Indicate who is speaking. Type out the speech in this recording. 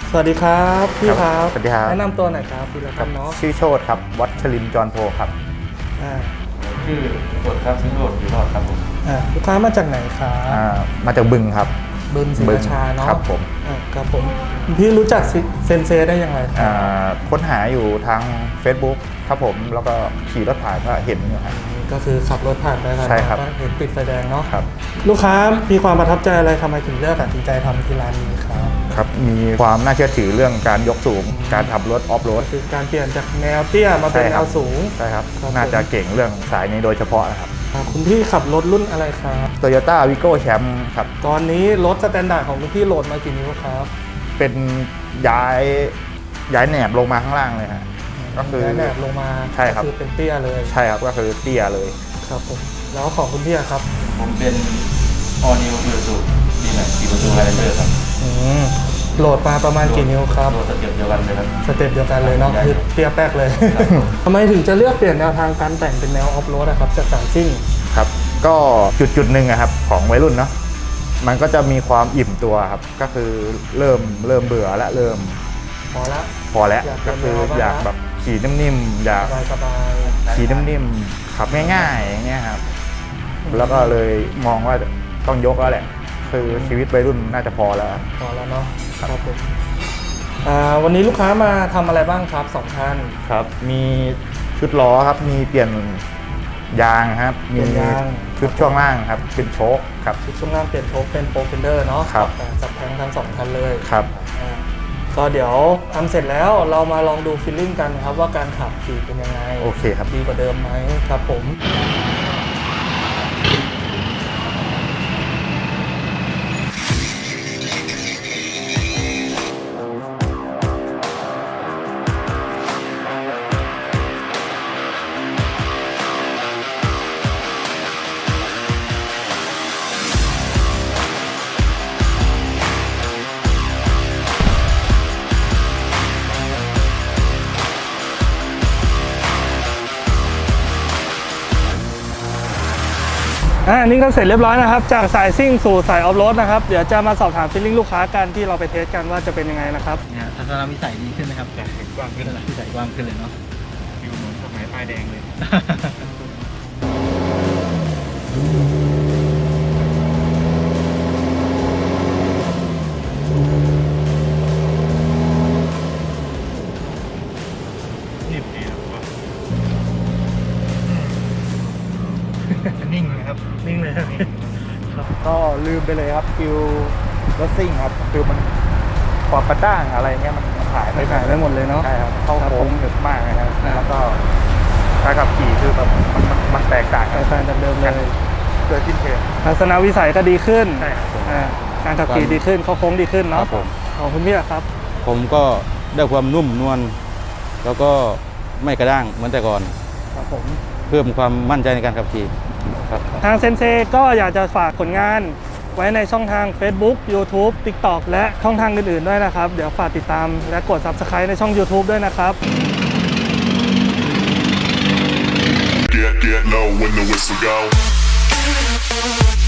Speaker 1: สวัสดีครับพี่ครับ
Speaker 2: สวัสดีครับ
Speaker 1: แนะนำตัวหน่อยครับพี่ละกันเนาะ
Speaker 2: ชื่อโชติครับวัชรินทร์จรโพครับ
Speaker 3: ชื่อสดครับชื่อโรดอยู่รอดครับผม
Speaker 1: ลูกค้ามาจากไหนครับ
Speaker 2: มาจากบึงครับ
Speaker 1: บึงศรีราชาเนาะ
Speaker 2: ครับผม
Speaker 1: ครับผมพี่รู้จักเซนเซได้ยังไงครับ
Speaker 2: ค้นหาอยู่ทาง Facebook ครับผมแล้วก็ขี่รถผ่านก็เห็นอยู่ครับ
Speaker 1: ก็คือขับรถผ่านไปผ่านมาก็เห็นติดไฟแดงเนาะ
Speaker 2: ครับ
Speaker 1: ลูกค้ามีความประทับใจอะไรทำไมถึงเลือกตัดสินใจทำที่ร้านนี้ครับ
Speaker 2: ครับมีความน่าเชื่อถือเรื่องการยกสูงการขับรถออฟโรด
Speaker 1: คือการเปลี่ยนจากแนวเตี้ยมาเป็นแนวสูง
Speaker 2: ใช่ครับน่าจะเก่งเรื่องสายนี้โดยเฉพาะนะครับ
Speaker 1: คุณพี่ขับรถรุ่นอะไรครับ
Speaker 2: Toyota Vigo Champ ครับ
Speaker 1: ตอนนี้รถสแตนดาร์ดของคุณพี่โหลดมากี่นิ้วครับ
Speaker 2: เป็นย้ายแหนบลงมาข้างล่างเลยฮะก็คือ
Speaker 1: ย้ายแหนบลงมา
Speaker 2: ใช่ครับ
Speaker 1: คือเป็นเตี้ยเลย
Speaker 2: ใช่ครับก็คือเตี้ยเลย
Speaker 1: ครับผมแล้วของคุณพี่ครับ
Speaker 3: ผมเป็น All New Isuzu D-Max 4 ประตู Highlander ครับ
Speaker 1: โหลดมาประมาณกี่นิ้วครับ
Speaker 3: โหลดสเต็ปเดียวกันเลยครับ
Speaker 1: สเต็ปเดียวกันเลยเนาะคือเตี้ยแป๊กเลยทำไมถึงจะเลือกเปลี่ยนแนวทางการแต่งเป็นแนวออฟโรดนะครับจากสายซิ่ง
Speaker 2: ครับก็จุดหนึ่งครับของวัยรุ่นเนาะมันก็จะมีความอิ่มตัวครับก็คือเริ่มเบื่อและเริ่มพอแล้วก็คืออยากแบบขี่นิ่มๆอยากขี่นิ่มๆขับง่ายๆอย่างเงี้ยครับแล้วก็เลยมองว่าต้องยกแล้วแหละคือชีวิตวัยรุ่นน่าจะพอแล้ว
Speaker 1: เนาะครับผมวันนี้ลูกค้ามาทำอะไรบ้างครับ2ท่าน
Speaker 2: ครับมีชุดล้อครับมีเปลี่ยนยางครับมีชุดช่วงล่างครับเป็นโชคครับ
Speaker 1: ชุดช่วงล่างเปลี่ยนโชคเป็นโปรเฟนเดอร์เนาะ
Speaker 2: ครับ
Speaker 1: จับแทงทั้ง2คันเลย
Speaker 2: ครับ
Speaker 1: ก็เดี๋ยวทำเสร็จแล้วเรามาลองดูฟีลลิ่งกันครับว่าการขับขี่เป็นยังไง
Speaker 2: โอเคครับ
Speaker 1: ดีกว่าเดิมไหมครับผมนี่ก็เสร็จเรียบร้อยนะครับจากสายซิ่งสู่สายออฟโรดนะครับเดี๋ยวจะมาสอบถามฟีลลิ่งลูกค้ากันที่เราไปเทสกันว่าจะเป็นยังไงนะครับ
Speaker 3: ทัศนวิสัยดีขึ้นไหมครับกว้างขึ้นวิสัยกว้างขึ้นเลยเนาะฟิวเหมือนสมัยป้ายแดงเลยนิ่งเลยครับ
Speaker 1: นิ่งเลยครับ
Speaker 2: ก็ลืมไปเลยครับฟิลรถซิ่งครับคือมันความกระด้างอะไรเงี้ยมันหาย
Speaker 1: ไปหมดเลยเนาะ
Speaker 2: ใช่ครับเข้าโค้งหนึบมากนะครับแล้วก็การขับขี่คือแบบมันแตกต่าง
Speaker 1: จากเดิมเลย
Speaker 2: เกิดขึ้นเชิง
Speaker 1: ทัศนวิสัยก็ดีขึ้น
Speaker 2: ใช่ครับ
Speaker 1: การขับขี่ดีขึ้นเข้าโค้งดีขึ้นเนาะของคุณพี่ครับ
Speaker 4: ผมก็ได้ความนุ่มนวลแล้วก็ไม่กระด้างเหมือนแต่ก่อน
Speaker 1: ครับผม
Speaker 4: เพิ่มความมั่นใจในการขับขี่
Speaker 1: ทางเซนเซก็อยากจะฝากผลงานไว้ในช่องทาง Facebook YouTube TikTok และช่องทางอื่นๆด้วยนะครับเดี๋ยวฝากติดตามและกด Subscribe ในช่อง YouTube ด้วยนะครับ
Speaker 5: Get low when the whistle go